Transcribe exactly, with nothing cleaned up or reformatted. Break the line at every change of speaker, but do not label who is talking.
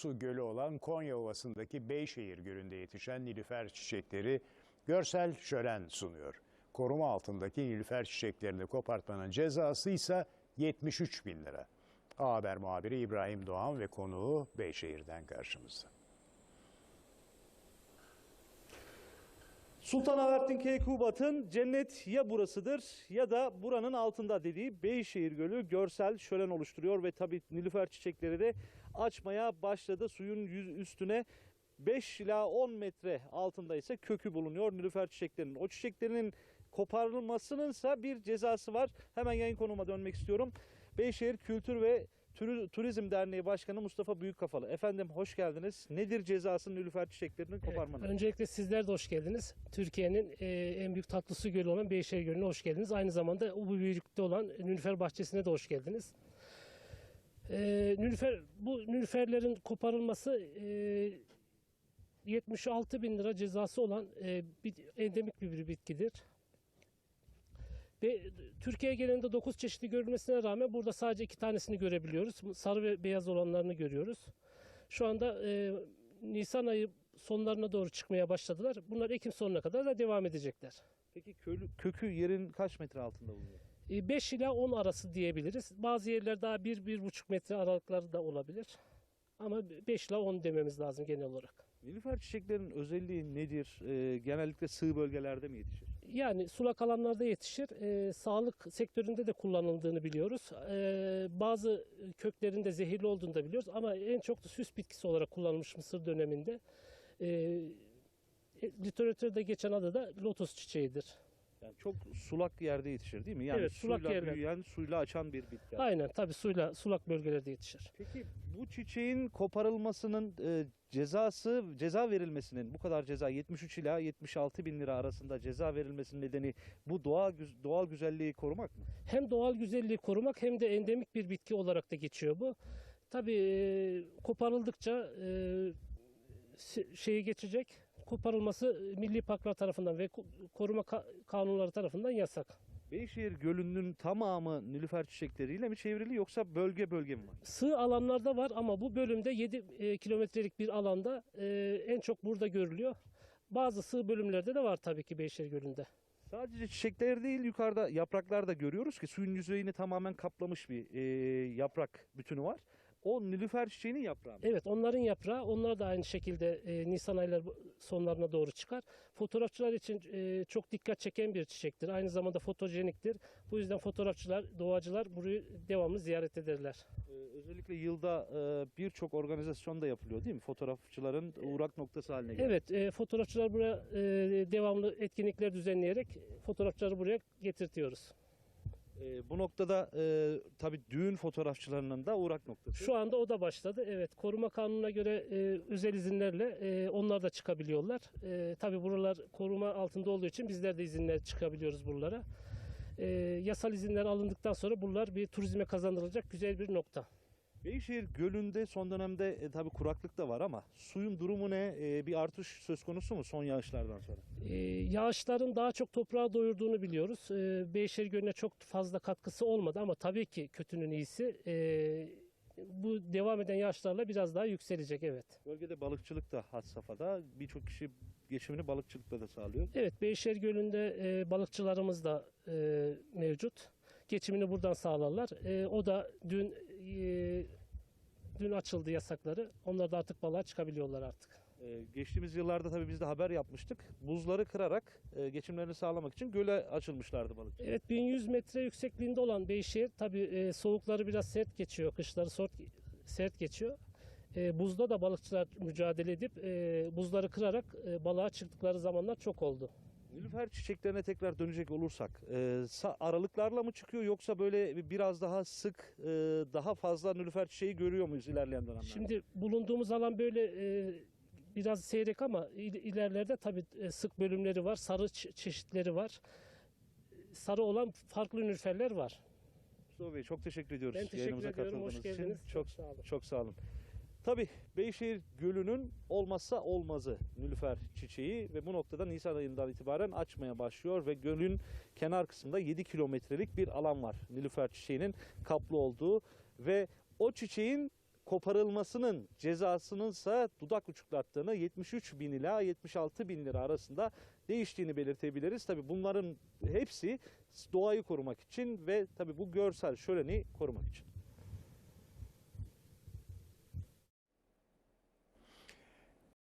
su gölü olan Konya Ovası'ndaki Beyşehir Gölü'nde yetişen nilüfer çiçekleri görsel şölen sunuyor. Koruma altındaki nilüfer çiçeklerini kopartmanın cezası ise yetmiş üç bin lira. A Haber muhabiri İbrahim Doğan ve konuğu Beyşehir'den karşımızda.
Sultanahmettin Keykubat'ın cennet ya burasıdır ya da buranın altında dediği Beyşehir Gölü görsel şölen oluşturuyor ve tabii nilüfer çiçekleri de açmaya başladı. Suyun yüz üstüne beş ila on metre altında ise kökü bulunuyor nilüfer çiçeklerinin. O çiçeklerinin koparılmasının ise bir cezası var. Hemen yayın konuma dönmek istiyorum. Beyşehir Kültür ve Turizm Derneği Başkanı Mustafa Büyükkafalı. Efendim hoş geldiniz. Nedir cezası nilüfer çiçeklerinin koparmanın?
Evet, öncelikle sizler de hoş geldiniz. Türkiye'nin e, en büyük tatlı su gölü olan Beyşehir Gölü'ne hoş geldiniz. Aynı zamanda bu büyüklükte olan Nilüfer Bahçesi'ne de hoş geldiniz. E, nilüfer, bu nilüferlerin koparılması e, yetmiş altı bin lira cezası olan e, bir, endemik bir bitkidir. Ve Türkiye genelinde dokuz çeşitli görülmesine rağmen burada sadece iki tanesini görebiliyoruz. Sarı ve beyaz olanlarını görüyoruz. Şu anda e, Nisan ayı sonlarına doğru çıkmaya başladılar. Bunlar Ekim sonuna kadar da devam edecekler.
Peki kökü, kökü yerin kaç metre altında bulunuyor?
E, beş ila on arası diyebiliriz. Bazı yerler daha bir bir buçuk metre aralıkları da olabilir. Ama beş ila on dememiz lazım genel olarak.
Nilüfer çiçeklerinin özelliği nedir? Ee, genellikle sığ bölgelerde mi yetişir?
Yani sulak alanlarda yetişir. E, sağlık sektöründe de kullanıldığını biliyoruz. E, bazı köklerinde zehirli olduğunu da biliyoruz. Ama en çok da süs bitkisi olarak kullanılmış Mısır döneminde. E, literatürde geçen adı da lotus çiçeğidir.
Yani çok sulak yerde yetişir değil mi? Yani
Evet, sulak
suyla
yerler.
büyüyen, suyla açan bir bitki.
Aynen, tabii suyla sulak bölgelerde yetişir.
Peki bu çiçeğin koparılmasının e, cezası, ceza verilmesinin bu kadar ceza yetmiş üç ila yetmiş altı bin lira arasında ceza verilmesinin nedeni bu doğal doğal güzelliği korumak mı?
Hem doğal güzelliği korumak hem de endemik bir bitki olarak da geçiyor bu. Tabii e, koparıldıkça e, şeyi geçecek. Koparılması Milli Parklar tarafından ve koruma kanunları tarafından yasak.
Beyşehir Gölü'nün tamamı nilüfer çiçekleriyle mi çevrili yoksa bölge bölge mi var?
Sığ alanlarda var ama bu bölümde yedi kilometrelik bir alanda e, en çok burada görülüyor. Bazı sığ bölümlerde de var tabii ki Beyşehir Gölü'nde.
Sadece çiçekler değil, yukarıda yapraklar da görüyoruz ki suyun yüzeyini tamamen kaplamış bir e, yaprak bütünü var. O nilüfer çiçeğinin yaprağı mı?
Evet, onların yaprağı, onlar da aynı şekilde e, Nisan ayları sonlarına doğru çıkar. Fotoğrafçılar için e, çok dikkat çeken bir çiçektir. Aynı zamanda fotojeniktir. Bu yüzden fotoğrafçılar, doğacılar burayı devamlı ziyaret ederler.
Ee, özellikle yılda e, birçok organizasyon da yapılıyor değil mi? Fotoğrafçıların uğrak noktası haline geliyor.
Evet, e, fotoğrafçılar buraya e, devamlı etkinlikler düzenleyerek fotoğrafçıları buraya getirtiyoruz.
E, bu noktada e, tabii düğün fotoğrafçılarının da uğrak noktası.
Şu anda o da başladı. Evet, koruma kanununa göre e, özel izinlerle e, onlar da çıkabiliyorlar. E, tabii buralar koruma altında olduğu için bizler de izinler çıkabiliyoruz buralara. E, yasal izinler alındıktan sonra buralar bir turizme kazandırılacak güzel bir nokta.
Beyşehir Gölü'nde son dönemde e, tabii kuraklık da var ama suyun durumu ne? E, bir artış söz konusu mu son yağışlardan sonra?
Ee, yağışların daha çok toprağı doyurduğunu biliyoruz. Ee, Beyşehir Gölü'ne çok fazla katkısı olmadı ama tabii ki kötünün iyisi. Ee, bu devam eden yağışlarla biraz daha yükselecek, evet.
Bölgede balıkçılık da had safhada. Birçok kişi geçimini balıkçılıkla da sağlıyor.
Evet, Beyşehir Gölü'nde e, balıkçılarımız da e, mevcut. Geçimini buradan sağlarlar. E, o da dün e, dün açıldı yasakları. Onlar da artık balığa çıkabiliyorlar artık.
Ee, geçtiğimiz yıllarda tabii biz de haber yapmıştık. Buzları kırarak e, geçimlerini sağlamak için göle açılmışlardı balıkçılar.
Evet, bin yüz metre yüksekliğinde olan Beyşehir tabii e, soğukları biraz sert geçiyor, kışları sert, sert geçiyor. E, buzda da balıkçılar mücadele edip e, buzları kırarak e, balığa çıktıkları zamanlar çok oldu.
Nilüfer çiçeklerine tekrar dönecek olursak e, aralıklarla mı çıkıyor yoksa böyle biraz daha sık e, daha fazla nilüfer çiçeği görüyor muyuz ilerleyen dönemlerde?
Şimdi bulunduğumuz alan böyle e, biraz seyrek ama ilerlerde tabii sık bölümleri var, sarı çeşitleri var. Sarı olan farklı nilüferler var.
Mustafa Bey çok teşekkür ediyoruz.
Ben teşekkür ediyorum, hoş geldiniz.
Için. Çok,
çok sağ olun.
Çok sağ olun. Tabii Beyşehir Gölü'nün olmazsa olmazı nilüfer çiçeği ve bu noktada Nisan ayından itibaren açmaya başlıyor ve gölün kenar kısmında yedi kilometrelik bir alan var nilüfer çiçeğinin kaplı olduğu ve o çiçeğin koparılmasının cezasınınsa dudak uçuklattığını, yetmiş üç bin ila yetmiş altı bin lira arasında değiştiğini belirtebiliriz. Tabii bunların hepsi doğayı korumak için ve tabii bu görsel şöleni korumak için.